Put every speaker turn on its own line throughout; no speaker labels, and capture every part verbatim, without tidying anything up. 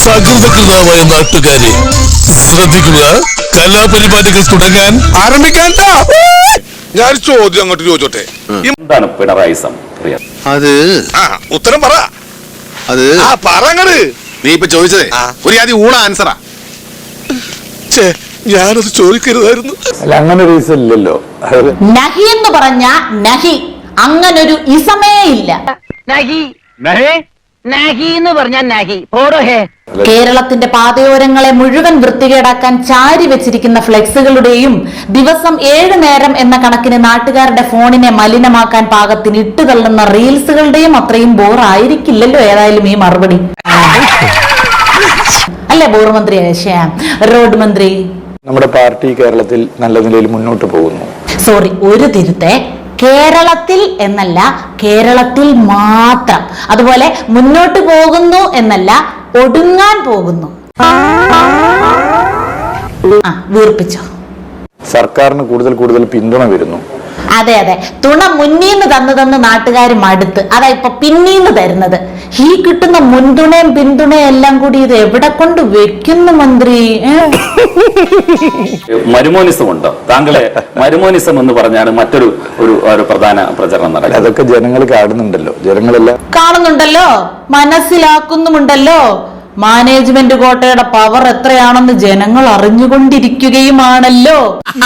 സകൃതകൃതമായ നാട്ടുകാരെ ശ്രദ്ധിക്കുക, കലാപരിപാടികൾ തുടങ്ങാൻ ആരംഭിക്കാൻ.
ഞാൻ ചോദ്യം അങ്ങോട്ട് ചോദിച്ചോട്ടെ,
എന്താണ് പിണറായിസം?
അത്
ഉത്തരം പറ.
അത്
ആ പറങ്ങട്.
നീ ഇപ്പൊ ചോദിച്ചതേ ഒരു ആദ്യം ഊണ ആൻസറാ.
ഞാനത് ചോദിക്കരുതായിരുന്നു.
അല്ല, അങ്ങനെ ഒരു ഇസം ഇല്ലല്ലോ.
നഹി എന്ന് പറഞ്ഞ നഹി, അങ്ങനൊരു ഇസമേ ഇല്ല.
നഹി നഹി എന്ന് പറഞ്ഞാൽ നഹി പോടോ ഹേ.
കേരളത്തിന്റെ പാതയോരങ്ങളെ മുഴുവൻ വൃത്തികേടാക്കാൻ ചാരി വെച്ചിരിക്കുന്ന ഫ്ലെക്സുകളുടെയും ദിവസം ഏഴു നേരം എന്ന കണക്കിന് നാട്ടുകാരുടെ ഫോണിനെ മലിനമാക്കാൻ പാകത്തിന് ഇട്ടുതള്ളുന്ന റീൽസുകളുടെയും അത്രയും ബോറായിരിക്കില്ലല്ലോ ഏതായാലും ഈ മറുപടി. അല്ലേ ബോർ മന്ത്രി, റോഡ് മന്ത്രി?
നമ്മുടെ പാർട്ടി കേരളത്തിൽ നല്ല നിലയിൽ മുന്നോട്ട് പോകുന്നു.
സോറി, ഒരു തിരുത്തെ, കേരളത്തിൽ എന്നല്ല, കേരളത്തിൽ മാത്രം. അതുപോലെ മുന്നോട്ട് പോകുന്നു എന്നല്ല, ഒടുങ്ങാൻ പോകുന്നു. ആ വീർപ്പിച്ചോ.
സർക്കാരിന് കൂടുതൽ കൂടുതൽ പിന്തുണ വരുന്നു.
അതെ അതെ, തുണ മുന്നീന്ന് തന്നു തന്ന് നാട്ടുകാർ മടുത്ത്, അതാ ഇപ്പൊ പിന്നീന്ന് തരുന്നത്. ഈ കിട്ടുന്ന മുൻതുണയും പിന്തുണയും എല്ലാം കൂടി ഇത് എവിടെ കൊണ്ട് വെക്കുന്നു മന്ത്രി?
മരുമോനിസം ഉണ്ടോ താങ്കളെ? മരുമോനിസം എന്ന് പറഞ്ഞാണ് മറ്റൊരു ഒരു ഒരു പ്രധാന പ്രചരണം നടക്കുന്നത്. അതൊക്കെ ജനങ്ങൾ കാണുന്നുണ്ടല്ലോ, ജനങ്ങളെല്ലാം കാണുന്നുണ്ടല്ലോ,
മനസ്സിലാക്കുന്നുമുണ്ടല്ലോ. മാനേജ്മെന്റ് കോട്ടയുടെ പവർ എത്രയാണെന്ന് ജനങ്ങൾ അറിഞ്ഞുകൊണ്ടിരിക്കുകയുമാണല്ലോ.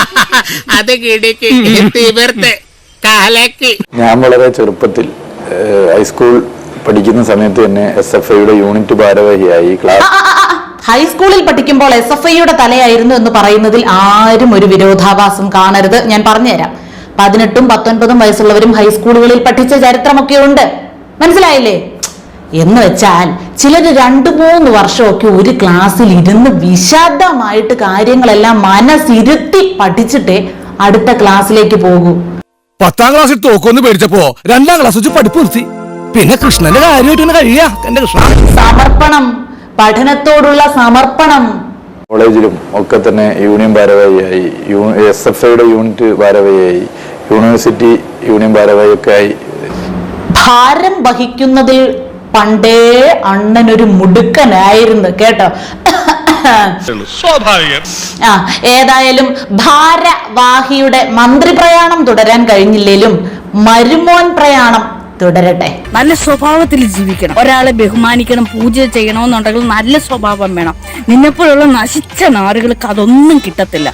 ഞാൻ വളരെ ചെറുപ്പത്തിൽ ഹൈസ്കൂൾ പഠിക്കുന്ന സമയത്ത് തന്നെ എസ് എഫ് ഐയുടെ യൂണിറ്റ് ഭാരവാഹിയായി. ക്ലാസ്
ഹൈസ്കൂളിൽ പഠിക്കുമ്പോൾ എസ് എഫ് ഐയുടെ തലയായിരുന്നു എന്ന് പറയുന്നതിൽ ആരും ഒരു വിരോധാഭാസം കാണരുത്. ഞാൻ പറഞ്ഞുതരാം. പതിനെട്ടും പത്തൊൻപതും വയസ്സുള്ളവരും ഹൈസ്കൂളുകളിൽ പഠിച്ച ചരിത്രമൊക്കെ ഉണ്ട്. മനസ്സിലായില്ലേ? എന്ന് വെച്ചാൽ ചിലര് രണ്ടു മൂന്ന് വർഷമൊക്കെ ഒരു ക്ലാസ്സിൽ ഇരുന്ന് വിശദമായിട്ട് കാര്യങ്ങളെല്ലാം മനസ്സിരുത്തി പഠിച്ചിട്ടേ അടുത്ത ക്ലാസ്സിലേക്ക് പോകൂ.
പത്താം ക്ലാസ്സിൽ തോക്കൊന്ന് പേടിച്ചപ്പോ രണ്ടാം ക്ലാസ് വെച്ച് പഠിപ്പ് നിർത്തി. പിന്നെ കൃഷ്ണന്റെ കാര്യമായിട്ട് കഴിയാ എന്റെ കൃഷ്ണ.
സമർപ്പണം, പഠനത്തോടുള്ള സമർപ്പണം.
കോളേജിലും ഒക്കെ തന്നെ യൂണിയൻ ഭാരവാഹിയായി, എസ് എഫ് ഐയുടെ യൂണിറ്റ് ഭാരവാഹിയായി, യൂണിവേഴ്സിറ്റി യൂണിയൻ ഭാരവാഹി ഒക്കെ ആയി.
ഭാരം വഹിക്കുന്നതിൽ പണ്ടേ അണ്ണനൊരു മുടുക്കനായിരുന്നു കേട്ടോ. ആ ഏതായാലും ഭാരവാഹിയുടെ മന്ത്രി പ്രയാണം തുടരാൻ കഴിഞ്ഞില്ലേലും മരുമോൻ പ്രയാണം തുടരട്ടെ.
നല്ല സ്വഭാവത്തിൽ ജീവിക്കണം, ഒരാളെ ബഹുമാനിക്കണം, പൂജ ചെയ്യണമെന്നുണ്ടെങ്കിൽ നല്ല സ്വഭാവം വേണം. നിന്നെപ്പോലുള്ള നശിച്ച നാറുകൾക്ക് അതൊന്നും കിട്ടത്തില്ല.